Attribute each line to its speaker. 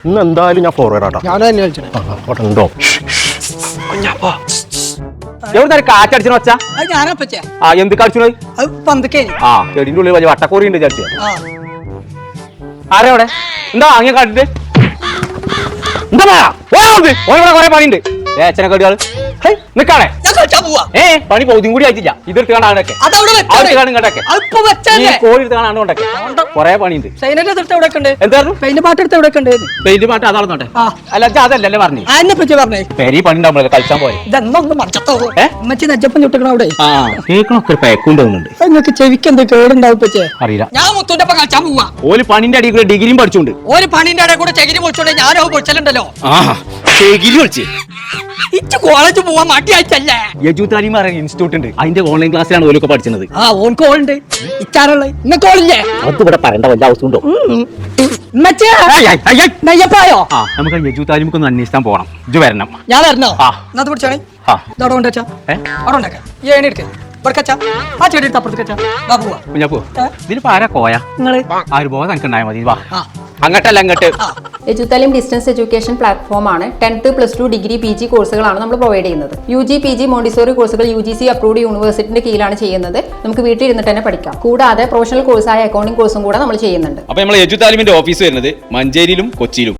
Speaker 1: ഇന്ന് എന്തായാലും ഞാൻ ഫോർവേഡ് ആട്ടാ.
Speaker 2: ഞാൻ തന്നെ കളിച്ചേ.
Speaker 1: ഉണ്ടോ എവിടെ കാറ്റടിച്ചു വെച്ചാ
Speaker 2: അത് ഞാനാ പറ്റേ
Speaker 1: എന്ത് കളിച്ചു
Speaker 2: അത് പന്തക്കേ
Speaker 1: ചെടിന്റെ ഉള്ളിൽ വലിയ വട്ടക്കോറി ഉണ്ട് ചർച്ച. ആരാ അവിടെ എന്താ അങ്ങനെ കാട്ടിട്ട് എന്താ കൊറേ പണിയുണ്ട് അച്ഛനെ കടിയാള് നിക്കാണേ പണി പൗതിയും കൂടി ആയിട്ടില്ല. ഇതെടുത്ത് കാണാനൊക്കെ കോഴി എടുത്ത് കാണാണ്ടൊക്കെ കൊറേ പണിയുണ്ട്. എന്തായിരുന്നു
Speaker 2: പെയിന്റ് പാട്ട് എടുത്ത് എവിടെ
Speaker 1: പെയിന്റ് പാട്ട് അതാണെന്നോട്ടെ. അല്ല അതല്ലേ പറഞ്ഞു
Speaker 2: അതിനെ പറ്റി പറഞ്ഞേ.
Speaker 1: പെരി പണി ഉണ്ടാവുമ്പോ കളിച്ചാൻ പോയി
Speaker 2: ഇതൊന്നും മച്ചി നജ്ജപ്പം ചുട്ടിക്കണ അവിടെ
Speaker 1: കേൾക്കണൊക്കെ പേക്കുണ്ടോന്നുണ്ട്.
Speaker 2: നിങ്ങൾക്ക് ചെവിക്ക് എന്ത് കേടുണ്ടാവും പറ്റേ
Speaker 1: അറിയില്ല.
Speaker 2: ഞാൻ മുത്തൂന്റെ ഒപ്പം കളിച്ചാൻ പോവാ.
Speaker 1: ഓല് പണിന്റെ അടിയിൽ കൂടെ ഡിഗ്രിയും പഠിച്ചോണ്ട്
Speaker 2: ഒരു പണിന്റെ അടിയിൽ കൂടെ ചെകിരി പൊളിച്ചോണ്ട് ഞാനോ പൊളിച്ചലുണ്ടല്ലോ.
Speaker 1: ഡിഗ്രി പഠിച്ച്
Speaker 2: ഇച്ച് കോളേജ് പോവാൻ മടിയായിട്ടല്ലേ.
Speaker 1: യജുതാലിമ ഇൻസ്റ്റിറ്റ്യൂട്ട് ഉണ്ട്. അതിന്റെ ഓൺലൈൻ ക്ലാസ്സിലാണ് ഓലൊക്കെ പഠിച്ചത്.
Speaker 2: ഓൻക്ക് ഓളുണ്ട് ഇച്ചാറുള്ള ഇന്നൊക്കെ ഓളില്ലേ.
Speaker 1: അത് ഇവിടെ പറയേണ്ട വല്ല അവസ്ഥ ഉണ്ടോ?
Speaker 2: നെയ്യപ്പായോ
Speaker 1: നമുക്ക് യജുതാലിമക്ക് ഒന്ന് അന്വേഷിക്കാൻ പോകണം. ഇത് വരണം.
Speaker 2: ഞാൻ വരണോ? എന്നാ പിടിച്ചാണേ അവിടെ കൊണ്ടുവച്ചാ അവിടെ ഉണ്ടാക്കാം. ഏണി എടുക്ക ആ ചെടി എടുത്ത് അപ്പുറത്തേക്ക്
Speaker 1: ഇതിലിപ്പോ ആരാ കോയ നിങ്ങള് ആ ഒരു ബോധം എനിക്കുണ്ടായാൽ മതി. വാ അങ്ങട്ടല്ല അങ്ങോട്ട്.
Speaker 3: എജുതാലിം ഡിസ്റ്റൻസ് എഡ്യൂക്കേഷൻ പ്ലാറ്റ്ഫോമാണ്. 10th +2 ഡിഗ്രി PG കോഴ്സുകളാണ് നമ്മൾ പ്രൊവൈഡ് ചെയ്യുന്നത്. UG PG മോണ്ടിസോറി കോഴ്സുകൾ UGC അപ്രൂവ്ഡ് യൂണിവേഴ്സിറ്റിന്റെ കീഴിലാണ് ചെയ്യുന്നത്. നമുക്ക് വീട്ടിൽ ഇരുന്നിട്ട് തന്നെ പഠിക്കാം. കൂടാതെ പ്രൊഫഷണൽ കോഴ്സായ അക്കൗണ്ടിംഗ് കോഴ്സും കൂടെ നമ്മൾ ചെയ്യുന്നുണ്ട്.
Speaker 4: അപ്പോൾ നമ്മൾ എജുതാലിമിന്റെ ഓഫീസ് വരുന്നത് മഞ്ചേരിയിലും കൊച്ചിയിലും.